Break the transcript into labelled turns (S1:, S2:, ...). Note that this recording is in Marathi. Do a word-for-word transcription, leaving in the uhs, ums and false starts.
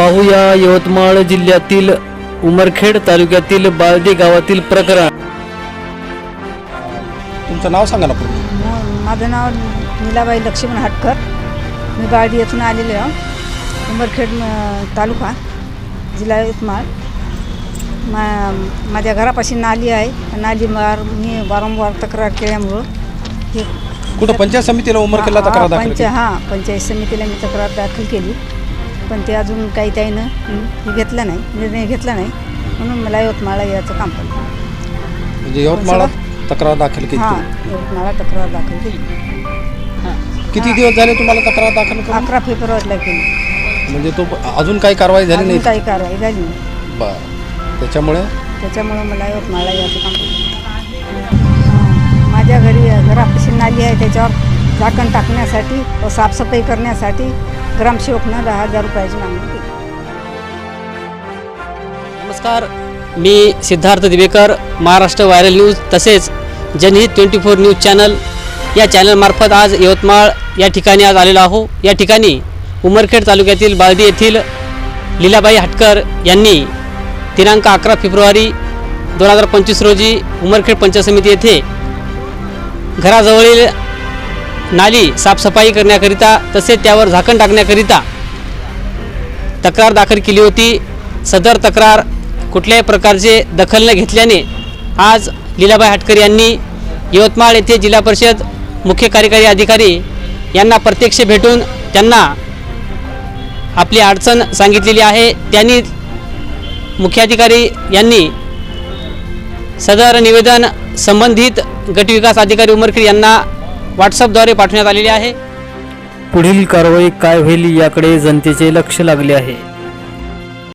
S1: पाहूया यवतमाळ जिल्ह्यातील उमरखेड तालुक्यातील बाळदी गावातील प्रकरण।
S2: तुमचं नाव सांगा ना पूर्ण।
S3: माझं नाव नीलाबाई लक्ष्मण हटकर। मी बाळदी येथून आलेले आहे, उमरखेड तालुका जिल्हा यवतमाळ। मा माझ्या घरापाशी नाली आहे, नालीवर मी वारंवार तक्रार केल्यामुळं हे
S2: कुठं पंचायत समितीला उमरखेडला तक्रार दाखल
S3: पंच हां पंचायत समितीला मी तक्रार दाखल केली, पण ते अजून काही त्यानं हे घेतला नाही, निर्णय घेतला नाही, म्हणून मला यवतमाळला यायचं काम पडलं।
S2: म्हणजे यवतमाळला तक्रार दाखल केली?
S3: हां, यवतमाळला तक्रार दाखल केली।
S2: किती दिवस झाले तुम्हाला तक्रार दाखल करून?
S3: अकरा फेब्रुवारीला केली।
S2: म्हणजे तो अजून काही कारवाई झाली नाही?
S3: काही कारवाई झाली नाही।
S2: बरं, त्याच्यामुळे
S3: त्याच्यामुळे मला यवतमाळला यायचं काम पडलं। माझ्या घरी घरापाशी नाली आहे, त्याच्यावर झाकण टाकण्यासाठी व साफसफाई करण्यासाठी ग्रामसेवकनं दहा हजार रुपयाची मागणी केली।
S4: नमस्कार, मी सिद्धार्थ दिवेकर, महाराष्ट्र व्हायरल न्यूज तसेच जनहित ट्वेंटी फोर न्यूज चॅनल या चॅनलमार्फत आज यवतमाळ या ठिकाणी आज आलेलो आहो। या ठिकाणी उमरखेड तालुक्यातील बाळदी येथील लीलाबाई हटकर यांनी दिनांक अकरा फेब्रुवारी दोन हजार पंचवीस रोजी उमरखेड पंचायत समिती येथे घराजवळील नाली साफसफाई करण्याकरिता तसेच त्यावर झाकण टाकण्याकरिता तक्रार दाखल केली होती। सदर तक्रार कुठल्याही प्रकारचे दखल न घेतल्याने आज लीलाबाई हटकर यांनी यवतमाळ येथे जिल्हा परिषद मुख्य कार्यकारी अधिकारी यांना प्रत्यक्ष भेटून त्यांना आपली अडचण सांगितलेली आहे। त्यांनी मुख्याधिकारी यांनी सदर निवेदन संबंधित गटविकास अधिकारी उमरखेड यांना व्हॉट्सअपद्वारे पाठवण्यात आलेले आहे।
S1: पुढील कारवाई काय होईल याकडे जनतेचे लक्ष लागले आहे।